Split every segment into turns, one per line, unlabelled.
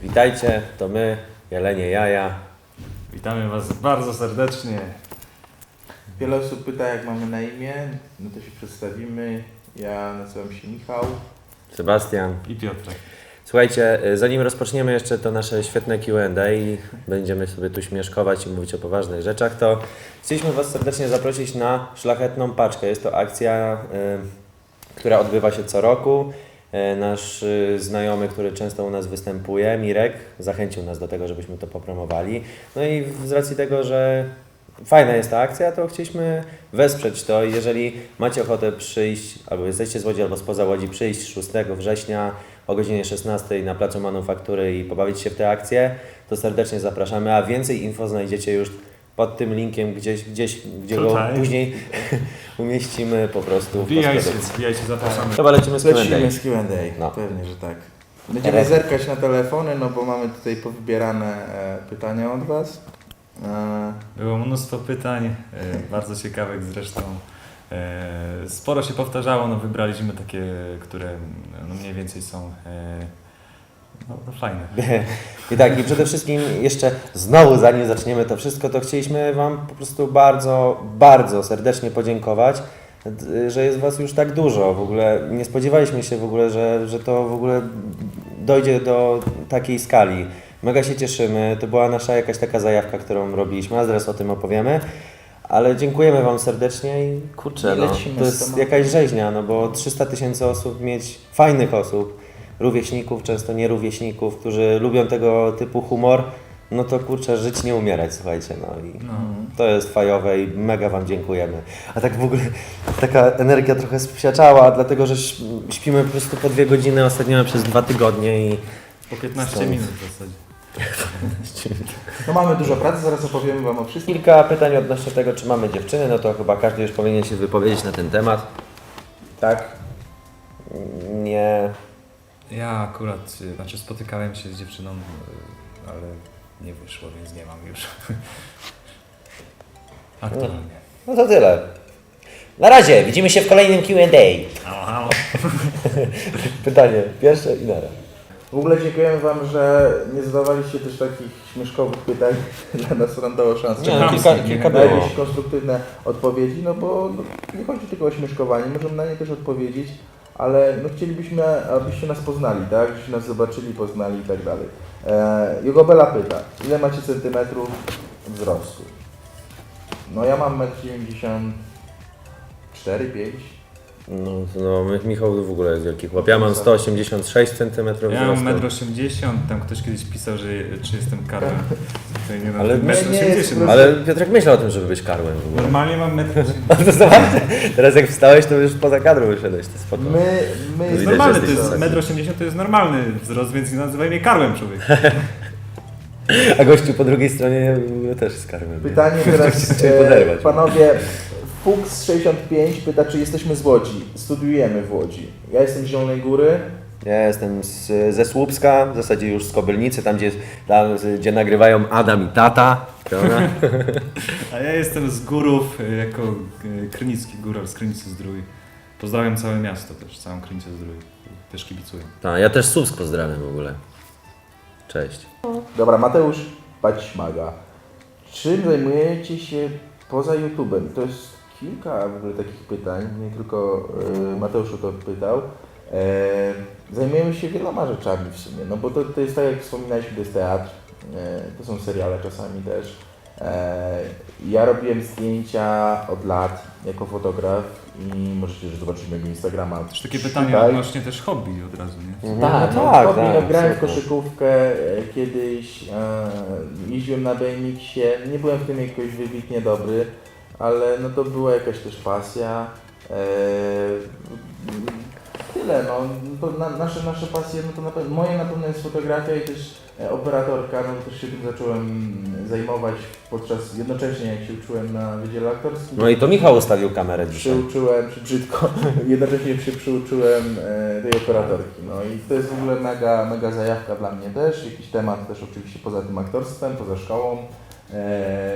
Witajcie, to my, Jelenie Jaja.
Witamy Was bardzo serdecznie.
Wiele osób pyta, jak mamy na imię, no to się przedstawimy. Ja nazywam się Michał.
Sebastian.
I Piotrek.
Słuchajcie, zanim rozpoczniemy jeszcze to nasze świetne Q&A i będziemy sobie tu śmieszkować i mówić o poważnych rzeczach, to chcieliśmy Was serdecznie zaprosić na Szlachetną Paczkę. Jest to akcja, która odbywa się co roku. Nasz znajomy, który często u nas występuje, Mirek, zachęcił nas do tego, żebyśmy to popromowali. No i z racji tego, że fajna jest ta akcja, to chcieliśmy wesprzeć to. I jeżeli macie ochotę przyjść, albo jesteście z Łodzi, albo spoza Łodzi, przyjść 6 września o godzinie 16 na Placu Manufaktury i pobawić się w tę akcję, to serdecznie zapraszamy, a więcej info znajdziecie już pod tym linkiem gdzie
Tutaj.
go później umieścimy po prostu w
Wbijajcie,
postprodukcji.
zapraszamy.
Chyba lecimy z Q&A.
Lecimy z Q&A.
No.
Pewnie, że tak. Będziemy zerkać na telefony, no bo mamy tutaj powybierane pytania od Was.
Było mnóstwo pytań, bardzo ciekawych zresztą. Sporo się powtarzało, no wybraliśmy takie, które no mniej więcej są no fajne.
I tak, i przede wszystkim jeszcze znowu, zanim zaczniemy to wszystko, to chcieliśmy Wam po prostu bardzo, bardzo serdecznie podziękować, że jest Was już tak dużo. W ogóle nie spodziewaliśmy się w ogóle, że to w ogóle dojdzie do takiej skali. Mega się cieszymy, to była nasza jakaś taka zajawka, którą robiliśmy, a zaraz o tym opowiemy. Ale dziękujemy Wam serdecznie i kurczę,
I
no,
lecimy
to
z
jest
tematem.
jakaś rzeźnia, no bo 300 000 osób mieć, fajnych osób, rówieśników, często nie rówieśników, którzy lubią tego typu humor, no to kurczę, żyć nie umierać, słuchajcie, no i to jest fajowe i mega Wam dziękujemy. A tak w ogóle taka energia trochę spsiaczała, dlatego że śpimy po prostu po 2 godziny, ostatnio przez 2 tygodnie i
Po 15
Stąd.
minut w zasadzie.
No mamy dużo pracy, zaraz opowiemy Wam o wszystkim.
kilka pytań odnośnie tego, czy mamy dziewczyny, no to chyba każdy już powinien się wypowiedzieć na ten temat.
Tak.
Nie.
Ja akurat, znaczy spotykałem się z dziewczyną, ale nie wyszło, więc nie mam już. Aktualnie.
No to tyle. Na razie, widzimy się w kolejnym Q&A.
Halo, halo.
Pytanie pierwsze i nara.
W ogóle dziękujemy Wam, że nie zadawaliście też takich śmieszkowych pytań. Dla nas nam dało szansę.
Nie, no, kilka
Na
było.
jakieś konstruktywne odpowiedzi, no bo nie chodzi tylko o śmieszkowanie, możemy na nie też odpowiedzieć, ale no chcielibyśmy, abyście nas poznali, tak? Żebyście nas zobaczyli, poznali i tak dalej. Jogobela pyta, ile macie centymetrów wzrostu? No ja mam 1,94 m, 5
No, Michał w ogóle jest wielki chłop. Ja mam 186 cm
Ja mam
wzrostu.
1,80 m, tam ktoś kiedyś pisał, że czy jestem karłem. To nie
Ale
ale
nie jest
1,80 m.
Ale Piotrek myślał o tym, żeby być karłem w ogóle.
Normalnie mam 1,80 m.
To zobaczcie, teraz jak wstałeś, to już poza kadrą wyszedłeś, to spoko.
My
Widać,
jest
że
normalny, to
jesteś
jest
wysoki.
1,80 m to jest normalny wzrost, więc nie nazywaj mnie karłem, człowiek.
A gościu po drugiej stronie też jest karłem.
Pytanie teraz,
Chciałem poderwać.
panowie, Fuchs65 pyta, czy jesteśmy z Łodzi. Studiujemy w Łodzi. Ja jestem z Zielonej Góry.
Ja jestem ze Słupska, w zasadzie już z Kobylnicy, tam gdzie nagrywają Adam i tata. Prawda?
A ja jestem z Górów, jako krynicki góral z Krynicy Zdrój. Pozdrawiam całe miasto też, całą Krynicę Zdrój. Też kibicuję.
Tak, ja też Słupsk pozdrawiam w ogóle. Cześć.
Dobra, Mateusz Paćmaga. Czym zajmujecie się poza YouTube'em? To jest kilka w ogóle takich pytań, nie tylko Mateusz o to pytał. Zajmujemy się wieloma rzeczami w sumie, no bo to jest tak jak wspominaliśmy, to jest teatr, to są seriale czasami też. Ja robiłem zdjęcia od lat jako fotograf i możecie też zobaczyć mojego Instagrama.
Też takie pytania
Tutaj.
odnośnie też hobby od razu, nie?
Tak, no,
tak,
grałem w
super.
koszykówkę kiedyś, jeździłem na BMX-ie, nie byłem w tym jakoś wybitnie dobry, ale no to była jakaś też pasja. Tyle, no, to nasze pasje, no to na pewno, moje na pewno jest fotografia i też operatorka, no bo też się tym zacząłem zajmować jednocześnie jak się uczyłem na Wydziale Aktorskim.
No i to Michał ustawił kamerę dzisiaj.
Przyuczyłem, brzydko, jednocześnie się przyuczyłem tej operatorki. No i to jest w ogóle mega zajawka dla mnie też. Jakiś temat też oczywiście poza tym aktorstwem, poza szkołą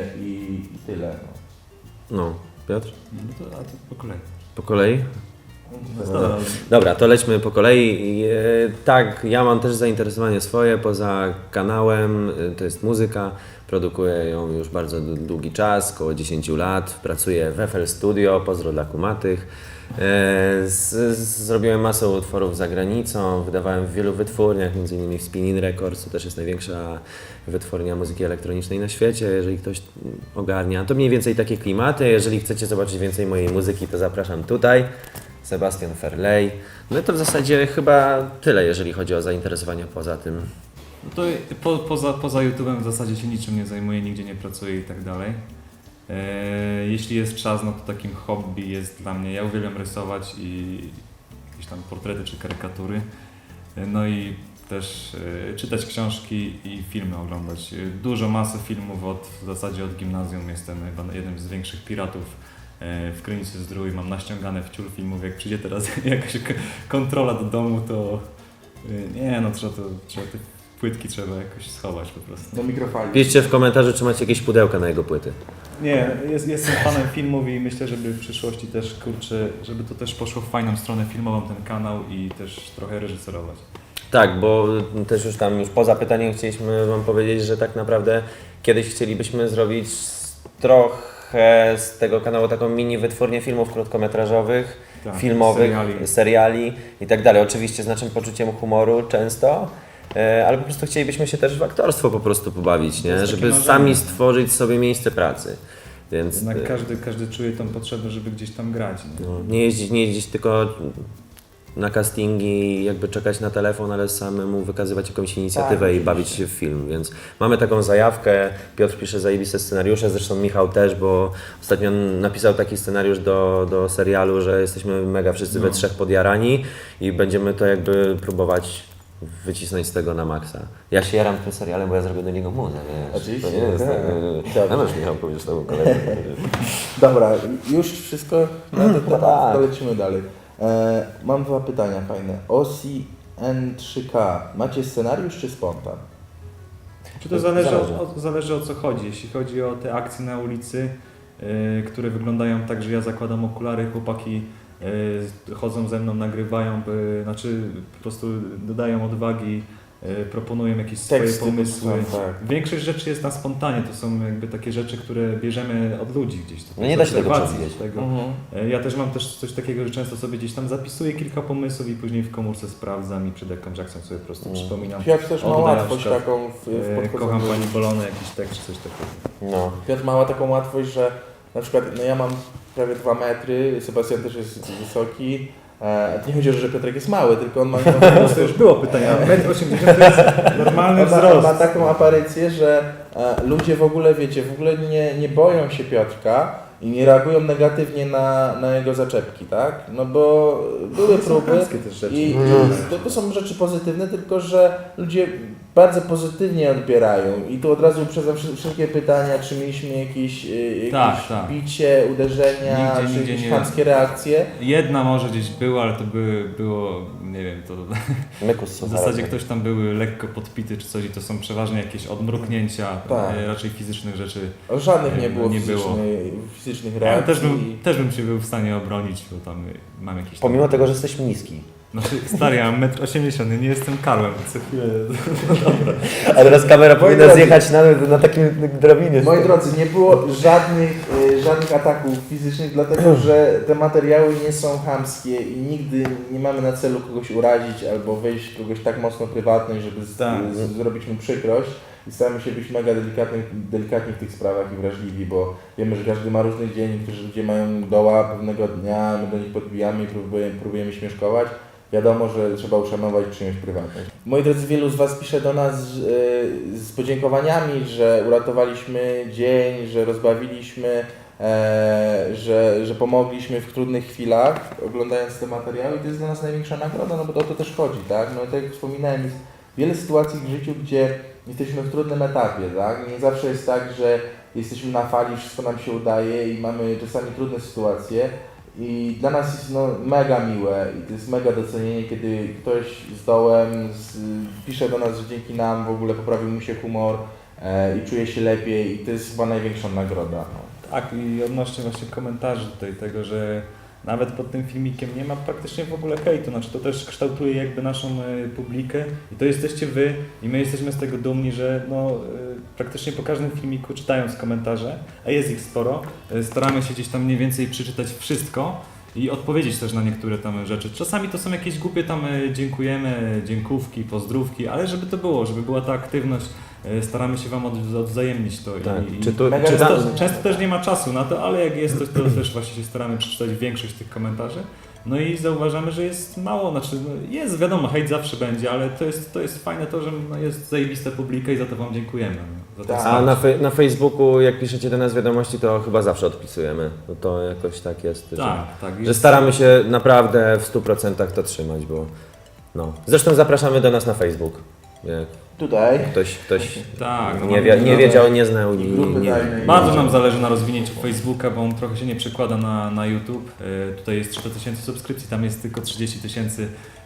i tyle. No.
No, Piotr?
No to, a to po kolei.
Po kolei? Dobra, to lećmy po kolei. Tak, ja mam też zainteresowanie swoje poza kanałem, to jest muzyka. Produkuję ją już bardzo długi czas, około 10 lat. Pracuję w FL Studio, pozdro dla kumatych. Zrobiłem masę utworów za granicą, wydawałem w wielu wytwórniach, m.in. w Spinning Records, to też jest największa wytwórnia muzyki elektronicznej na świecie, jeżeli ktoś ogarnia. To mniej więcej takie klimaty. Jeżeli chcecie zobaczyć więcej mojej muzyki, to zapraszam tutaj. Sebastian Ferley. No i to w zasadzie chyba tyle, jeżeli chodzi o zainteresowania poza tym.
No to poza YouTube'em w zasadzie się niczym nie zajmuję, nigdzie nie pracuję i tak dalej. Jeśli jest czas, no to takim hobby jest dla mnie, ja uwielbiam rysować i jakieś tam portrety czy karykatury. No i też czytać książki i filmy oglądać. Dużo masy filmów w zasadzie od gimnazjum, jestem chyba jednym z większych piratów w Krynicy Zdrój, mam naściągane wciul filmów, jak przyjdzie teraz jakaś kontrola do domu, to nie no, trzeba te płytki trzeba jakoś schować po prostu.
Do mikrofali.
Piszcie w komentarzu, czy macie jakieś pudełka na jego płyty.
Nie, jestem fanem filmów i myślę, żeby w przyszłości też, kurczę, żeby to też poszło w fajną stronę filmową ten kanał i też trochę reżyserować.
Tak, bo też już poza pytaniem chcieliśmy Wam powiedzieć, że tak naprawdę kiedyś chcielibyśmy zrobić trochę z tego kanału taką mini wytwórnię filmów krótkometrażowych,
Tak,
filmowych, seriali i tak dalej. Oczywiście z naszym poczuciem humoru często, ale po prostu chcielibyśmy się też w aktorstwo po prostu pobawić, nie? Żeby
marzenie.
sami stworzyć sobie miejsce pracy. Więc
Jednak każdy czuje tą potrzebę, żeby gdzieś tam grać. Nie?
no, nie jeździć tylko na castingi, jakby czekać na telefon, ale samemu wykazywać jakąś inicjatywę
Tak,
i bawić się w film, więc mamy taką zajawkę. Piotr pisze zajebiste scenariusze, zresztą Michał też, bo ostatnio napisał taki scenariusz do serialu, że jesteśmy mega wszyscy we trzech podjarani i będziemy to jakby próbować wycisnąć z tego na maksa. Ja się jaram tym serialem, bo ja zrobię do niego muzę, wiesz.
Oczywiście,
To nie jest,
tak.
no już Michał powiesz temu kolegę.
Dobra, już wszystko na ten temat,
tak.
to lecimy dalej. Mam dwa pytania fajne. Osi N3K, macie scenariusz czy spontan?
Czy to zależy o co chodzi. Jeśli chodzi o te akcje na ulicy, które wyglądają tak, że ja zakładam okulary, chłopaki chodzą ze mną, nagrywają, znaczy po prostu dodają odwagi, proponują jakieś swoje
Teksty
pomysły.
są, tak.
Większość rzeczy jest na spontanie, to są jakby takie rzeczy, które bierzemy od ludzi gdzieś. To
No nie da się tego
obserwacji
przewidzieć.
tego. Ja też mam coś takiego, że często sobie gdzieś tam zapisuję kilka pomysłów i później w komórce sprawdzam i przed jakąś akcją sobie po prostu przypominam.
Piotr też ma
O, tutaj na
łatwość
przykład,
taką w podchodzeniu.
Kocham Pani Bolonę, jakiś tekst czy coś takiego.
No.
Piotr ma taką łatwość, że na przykład no ja mam prawie 2 metry, Sebastian też jest wysoki. Nie chodzi o to, że Piotrek jest mały, tylko on ma
To już było pytanie, a 1,80 m to jest normalny
on
wzrost.
ma taką aparycję, że ludzie w ogóle, wiecie, w ogóle nie boją się Piotrka i nie reagują negatywnie na jego zaczepki, tak? No bo były próby
Też rzeczy.
i to są rzeczy pozytywne, tylko że ludzie bardzo pozytywnie odbierają i tu od razu uprzedzam wszelkie pytania, czy mieliśmy jakieś
Tak.
bicie, uderzenia,
Nigdzie
czy jakieś
nie.
chamskie reakcje.
Jedna może gdzieś była, ale to było, nie wiem, to
Mykus
w zasadzie ktoś tam był lekko podpity czy coś i to są przeważnie jakieś odmruknięcia,
Tak.
Raczej fizycznych rzeczy.
Żadnych nie było
Nie
fizycznych
Ja
reakcji.
też bym się był w stanie obronić, bo tam mam jakieś...
Pomimo tego, że jesteś niski.
Znaczy, stary, ja mam 1,80 m, nie jestem Karłem, co chwilę...
A teraz kamera powinna
drodzy.
zjechać na takim drabinie.
Moi drodzy, nie było żadnych ataków fizycznych, dlatego że te materiały nie są chamskie i nigdy nie mamy na celu kogoś urazić albo wejść w kogoś tak mocno prywatność, żeby zrobić mu przykrość. I staramy się być mega delikatni w tych sprawach i wrażliwi, bo wiemy, że każdy ma różny dzień, niektórzy ludzie mają doła pewnego dnia, my do nich podbijamy i próbujemy śmieszkować. Wiadomo, że trzeba uszanować czyjąś prywatność. Moi drodzy, wielu z Was pisze do nas z podziękowaniami, że uratowaliśmy dzień, że rozbawiliśmy, że pomogliśmy w trudnych chwilach, oglądając te materiały i to jest dla nas największa nagroda, no bo o to też chodzi, tak? No tak jak wspominałem, jest wiele sytuacji w życiu, gdzie jesteśmy w trudnym etapie, tak? Nie zawsze jest tak, że jesteśmy na fali, wszystko nam się udaje i mamy czasami trudne sytuacje. I dla nas jest mega miłe i to jest mega docenienie, kiedy ktoś z dołem pisze do nas, że dzięki nam w ogóle poprawił mu się humor i czuje się lepiej i to jest chyba największa nagroda.
Tak, i odnośnie właśnie komentarzy tutaj tego, że nawet pod tym filmikiem nie ma praktycznie w ogóle hejtu, znaczy to też kształtuje jakby naszą publikę i to jesteście wy i my jesteśmy z tego dumni, że praktycznie po każdym filmiku czytając komentarze, a jest ich sporo, staramy się gdzieś tam mniej więcej przeczytać wszystko i odpowiedzieć też na niektóre tam rzeczy. Czasami to są jakieś głupie tam dziękujemy, dziękówki, pozdrówki, ale żeby to było, żeby była ta aktywność, staramy się wam odwzajemnić to.
Tak.
Często też nie ma czasu na to, ale jak jest to też właśnie się staramy przeczytać większość tych komentarzy. No i zauważamy, że jest mało, znaczy jest, wiadomo, hejt zawsze będzie, ale to jest fajne to, że jest zajebista publika i za to wam dziękujemy. Za to
Tak.
A na Facebooku, jak piszecie do nas wiadomości, to chyba zawsze odpisujemy. No to jakoś tak jest,
tak,
że staramy się naprawdę w 100% to trzymać, bo no. Zresztą zapraszamy do nas na Facebook. Jak
Tutaj.
ktoś
Tak, no
nie wiedział, nie znał i
Grupy
nie.
tajnej.
Bardzo nam zależy na rozwinięciu Facebooka, bo on trochę się nie przekłada na YouTube. Tutaj jest 300 000 subskrypcji, tam jest tylko 30 000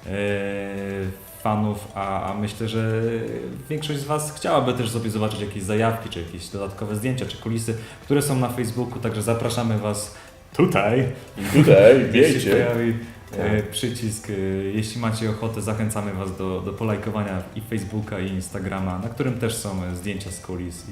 fanów, a myślę, że większość z Was chciałaby też sobie zobaczyć jakieś zajawki, czy jakieś dodatkowe zdjęcia, czy kulisy, które są na Facebooku, także zapraszamy Was tutaj. Gdzieś się pojawi przycisk. Jeśli macie ochotę, zachęcamy Was do polajkowania i Facebooka, i Instagrama, na którym też są zdjęcia z kulis.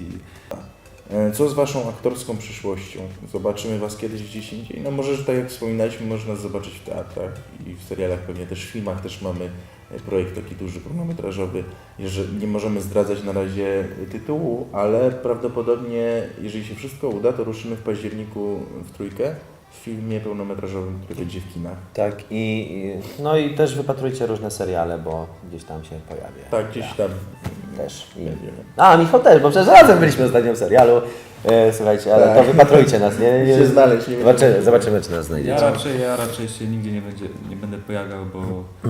Co z Waszą aktorską przyszłością? Zobaczymy Was kiedyś gdzieś indziej? No może, że tak jak wspominaliśmy, można nas zobaczyć w teatrach i w serialach, pewnie też w filmach też mamy projekt taki duży, pełnometrażowy. Nie możemy zdradzać na razie tytułu, ale prawdopodobnie, jeżeli się wszystko uda, to ruszymy w październiku w trójkę w filmie pełnometrażowym, który będzie w kinach.
Tak no i też wypatrujcie różne seriale, bo gdzieś tam się pojawia.
Tak, gdzieś tam
Też.
będziemy.
A, Michał też, bo przecież razem byliśmy ostatnio w serialu. Słuchajcie, ale to wypatrujcie nas, nie?
Się znaleźć, nie
Zobaczymy, czy nas znajdziecie.
Ja raczej się nigdzie nie będę pojawiał, bo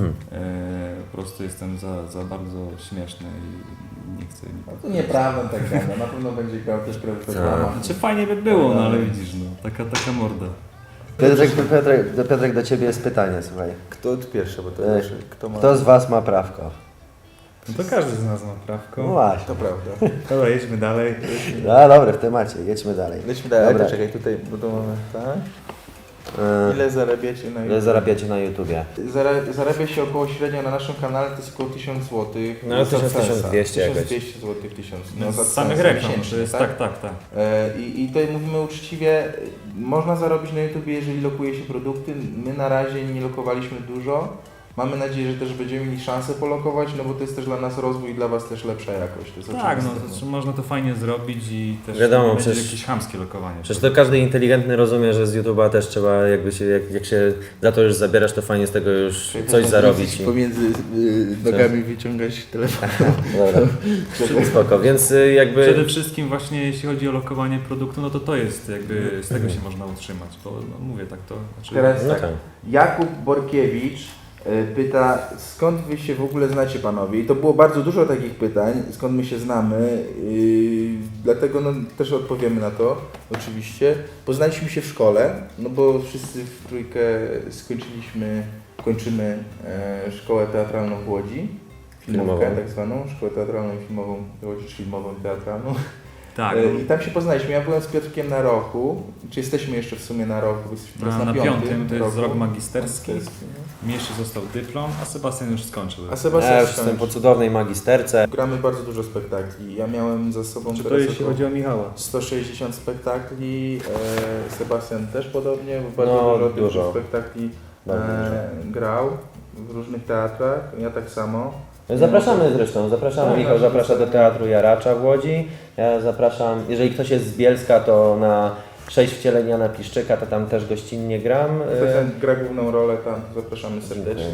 po prostu jestem za bardzo śmieszny i nie chcę
No to nieprawda tak gada, na pewno będzie grał też reklama.
Znaczy fajnie by było, no ale widzisz, no, taka morda.
Piotrek, do Ciebie jest pytanie, słuchaj.
Kto pierwszy, bo to
Kto z Was ma prawko?
No to każdy z nas ma prawko.
No właśnie.
To prawda.
Dobra, jedźmy dalej.
No dobra, w temacie, jedźmy dalej.
Lećmy dalej,
Dobra.
czekaj, tutaj, bo to mamy, tak? Ile zarabiacie na
Ile zarabiacie na YouTubie?
Zarabia się około średnio na naszym kanale, to jest około 1000 zł.
No,
za
1200 jakoś.
1200 zł, 1000.
No,
za
z samych
za
reklam,
miesięcznie,
to jest tak.
I tutaj mówimy uczciwie, można zarobić na YouTubie, jeżeli lokuje się produkty. My na razie nie lokowaliśmy dużo. Mamy nadzieję, że też będziemy mieli szansę polokować, no bo to jest też dla nas rozwój i dla Was też lepsza jakość. To jest
Tak, no
oczywiste.
to można to fajnie zrobić i też
Wiadomo,
nie będzie
przecież-
jakieś chamskie lokowanie.
Przecież to każdy inteligentny rozumie, że z YouTube'a też trzeba, jak się za to już zabierasz, to fajnie z tego już coś zarobić.
Pomiędzy nogami wyciągać telefon.
Dobra, spoko, więc jakby...
Przede wszystkim właśnie jeśli chodzi o lokowanie produktu, no to jest jakby, z tego się można utrzymać, bo no, mówię tak to. Znaczy,
Teraz
No
tak,
tak.
Jakub Borkiewicz pyta, skąd Wy się w ogóle znacie, panowie? I to było bardzo dużo takich pytań, skąd my się znamy, dlatego no, też odpowiemy na to, oczywiście. Poznaliśmy się w szkole, no bo wszyscy w trójkę kończymy szkołę teatralną w Łodzi, filmówkę
Filmową.
tak zwaną, szkołę teatralną i filmową, w Łodzi, czy filmową i teatralną.
tak,
I tam się poznaliśmy. Ja byłem z Piotrkiem na roku, czy jesteśmy jeszcze w sumie na roku, jesteśmy teraz
na
piątym
piątym, to jest
roku.
rok magisterski.
no.
Mi jeszcze został dyplom, a Sebastian już skończył.
A Sebastian
Ja już jestem po cudownej magisterce.
Gramy bardzo dużo spektakli. Ja miałem za sobą
Czy to
teraz
jeśli
około
chodzi o Michała?
160 spektakli, Sebastian też podobnie, bo
No,
bardzo
dużo.
dużo spektakli
Bardzo
grał w różnych teatrach, ja tak samo.
Zapraszamy zresztą,
Tak,
Michał zaprasza do Teatru Jaracza w Łodzi. Ja zapraszam, jeżeli ktoś jest z Bielska, to na 6 wcieleń Jana Piszczyka, to tam też gościnnie gram.
Sebastian gra główną rolę tam, zapraszamy serdecznie.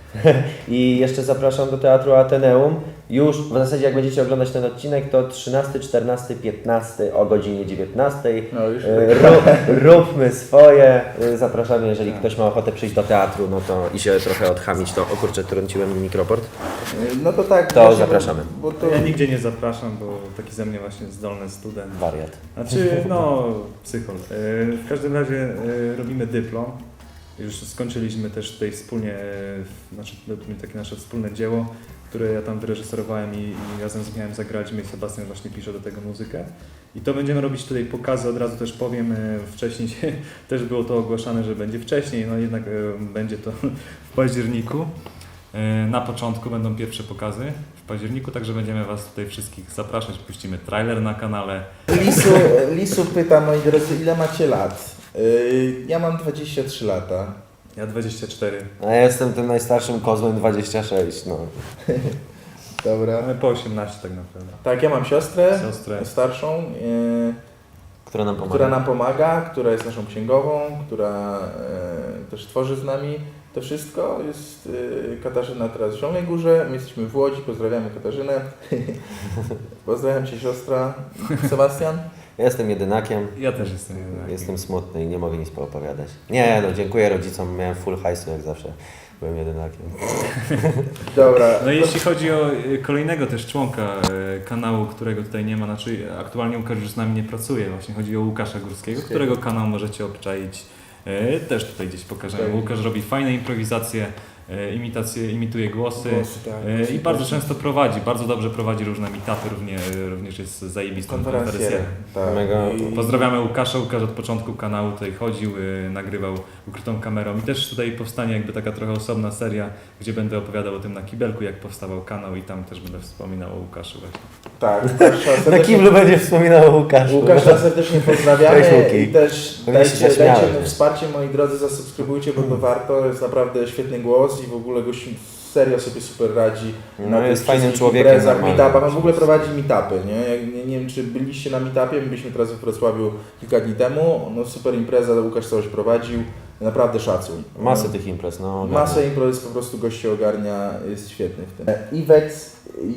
I jeszcze zapraszam do Teatru Ateneum. Już w zasadzie jak będziecie oglądać ten odcinek, to 13, 14, 15 o godzinie 19.
No już
Róbmy swoje. Zapraszamy, jeżeli ktoś ma ochotę przyjść do teatru, no to i się trochę odchamić, to o kurczę, trąciłem mikroport.
No to tak.
To
właśnie,
zapraszamy.
Bo to...
Ja nigdzie nie zapraszam, bo taki ze mnie właśnie zdolny student.
Wariat.
Znaczy, no, psychol. W każdym razie robimy dyplom. Już skończyliśmy też tutaj wspólnie, znaczy robimy takie nasze wspólne dzieło. które ja tam wyreżyserowałem i razem z miałem zagrać. My Sebastian właśnie pisze do tego muzykę. I to będziemy robić tutaj pokazy, od razu też powiem, wcześniej też było to ogłaszane, że będzie wcześniej, no jednak będzie to w październiku. Na początku będą pierwsze pokazy w październiku, także będziemy Was tutaj wszystkich zapraszać, puścimy trailer na kanale.
Lisu pyta, moi drodzy, ile macie lat? Ja mam 23 lata.
Ja 24.
A ja jestem tym najstarszym kozłem 26, no.
Dobra.
Mamy po 18 tak naprawdę.
Tak, ja mam siostrę starszą, która nam pomaga, która jest naszą księgową, która też tworzy z nami to wszystko. Jest Katarzyna teraz w Zielonej Górze, my jesteśmy w Łodzi, pozdrawiamy Katarzynę. Pozdrawiam Cię siostra. Sebastian?
Ja jestem jedynakiem.
Ja też jestem jedynakiem.
Jestem smutny i nie mogę nic poopowiadać. Nie, no dziękuję rodzicom, miałem full hajsu jak zawsze. Byłem jedynakiem.
Dobra.
No i jeśli chodzi o kolejnego też członka kanału, którego tutaj nie ma, znaczy aktualnie Łukasz już z nami nie pracuje, właśnie chodzi o Łukasza Górskiego, którego kanał możecie obczaić. Też tutaj gdzieś pokażemy.
Tak.
Łukasz robi fajne improwizacje, imituje głosy
Tak,
i bardzo często prowadzi, bardzo dobrze prowadzi różne meetupy, również jest zajebistą konferencjerem.
Tak.
Mega.
Pozdrawiamy Łukasza. Łukasz od początku kanału tutaj chodził, nagrywał ukrytą kamerą i też tutaj powstanie jakby taka trochę osobna seria, gdzie będę opowiadał o tym na kibelku, jak powstawał kanał i tam też będę wspominał o Łukaszu właśnie.
Tak, Łukasza
Na
serdecznie,
kiblu będzie wspominał o Łukaszu.
Łukasza serdecznie pozdrawiamy
Cześć, Łuki.
i też
Pewnie się
dajcie
zaśmiałem.
mu wsparcie, moi drodzy, zasubskrybujcie, bo to warto, jest naprawdę świetny głos i w ogóle gościu serio sobie super radzi.
No,
tych
jest fajnym
wszystkich
człowiekiem,
imprezach,
normalnym.
meetupach. On w ogóle prowadzi meetupy, nie wiem czy byliście na meetupie, my byliśmy teraz w Wrocławiu kilka dni temu, no super impreza, Łukasz coś prowadził, naprawdę szacuj.
Masę tych imprez, no.
Masę imprez po prostu goście ogarnia, jest świetny w tym. Iwec,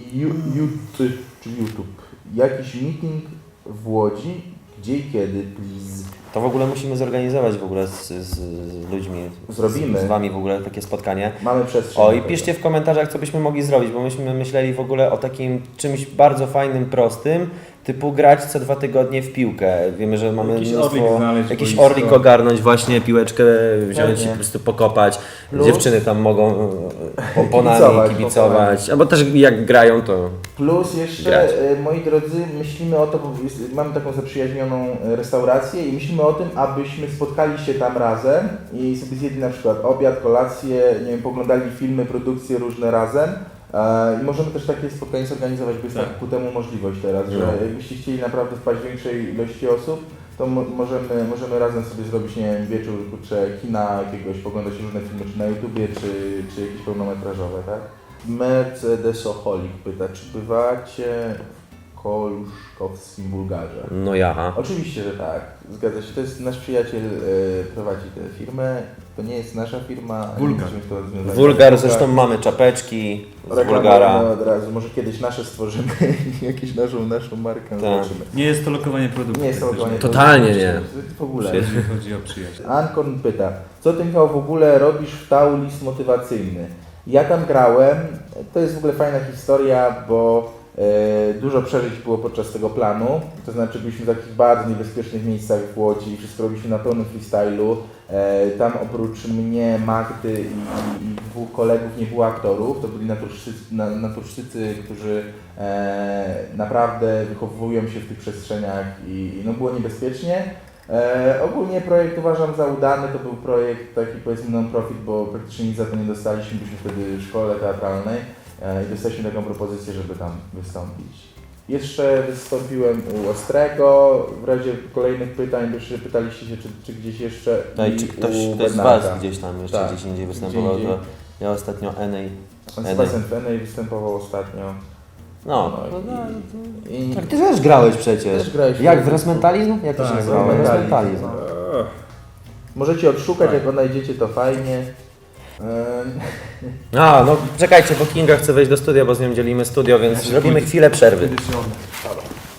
YouTube, jakiś meeting w Łodzi, gdzie i kiedy, please.
To w ogóle musimy zorganizować w ogóle z ludźmi.
Zrobimy.
Z Wami w ogóle takie spotkanie.
Mamy przestrzeń.
O
do
i
tego.
piszcie w komentarzach, co byśmy mogli zrobić, bo myśmy myśleli w ogóle o takim czymś bardzo fajnym, prostym, typu grać co 2 tygodnie w piłkę. Wiemy, że mamy
Jakiś
mnóstwo,
orlik znaleźć,
jakiś
boisko.
orlik ogarnąć, właśnie piłeczkę wziąć
Pewnie.
i po prostu pokopać.
Plus-
Dziewczyny tam mogą pomponami
Kibicować,
kibicować, albo też jak grają to...
Plus jeszcze,
grać.
moi drodzy, myślimy o to, bo mamy taką zaprzyjaźnioną restaurację i myślimy o tym, abyśmy spotkali się tam razem i sobie zjedli na przykład obiad, kolację, nie wiem, poglądali filmy, produkcje różne razem. I możemy też takie spotkanie zorganizować, bo jest
Tak.
tak ku temu możliwość teraz, że jakbyście chcieli naprawdę wpaść większej ilości osób, to możemy razem sobie zrobić, nie wiem, wieczór, kurczę, kina jakiegoś, poglądać różne filmy, czy na YouTubie, czy jakieś pełnometrażowe, tak? Mercedesoholik pyta, czy bywacie w Koluszkowskim Bulgarze?
No ja.
Oczywiście, że tak, zgadza się. To jest nasz przyjaciel, prowadzi tę firmę. To nie jest nasza firma. ani
Wulgar.
niczym to związane.
Wulgar, zresztą mamy czapeczki z
Reklamujemy
Wulgara.
od razu. Może kiedyś nasze stworzymy, jakąś naszą markę,
Tak.
zobaczymy.
Nie jest to lokowanie produktu.
Nie jest to
praktycznie.
lokowanie
Totalnie
produktu,
nie.
W ogóle.
Jeśli chodzi o przyjaźń.
Ankorn pyta, co ty Michał w ogóle robisz w TAU list motywacyjny? Ja tam grałem, to jest w ogóle fajna historia, bo dużo przeżyć było podczas tego planu, to znaczy byliśmy w takich bardzo niebezpiecznych miejscach w Łodzi, wszystko robiliśmy na pełnym freestylu. Tam oprócz mnie, Magdy i 2 kolegów nie było aktorów, to byli naturszczycy, którzy naprawdę wychowują się w tych przestrzeniach i no było niebezpiecznie. Ogólnie projekt uważam za udany, to był projekt taki powiedzmy non-profit, bo praktycznie nic za to nie dostaliśmy, byliśmy wtedy w szkole teatralnej i dostaliśmy taką propozycję, żeby tam wystąpić. Jeszcze wystąpiłem u Ostrego, w razie kolejnych pytań, bo jeszcze pytaliście się, czy gdzieś jeszcze
No i
i
czy ktoś
u
z
Bernarda.
Was gdzieś tam jeszcze
Tak,
gdzieś indziej występował,
gdzie
to
indziej.
ja ostatnio Enej.
Sebastian Fenej występował ostatnio.
No.
I
Tak, ty też grałeś przecież.
Też grałeś w
Jak w
Facebooku.
Resmentalizm? Jak to się
Tak,
nazywało?
Resmentalizm.
Resmentalizm.
możecie odszukać,
Tak.
jak odnajdziecie to fajnie.
A, no czekajcie, bo Kinga chce wejść do studia, bo z nią dzielimy studio, więc robimy chwilę przerwy.
Kiedy się one.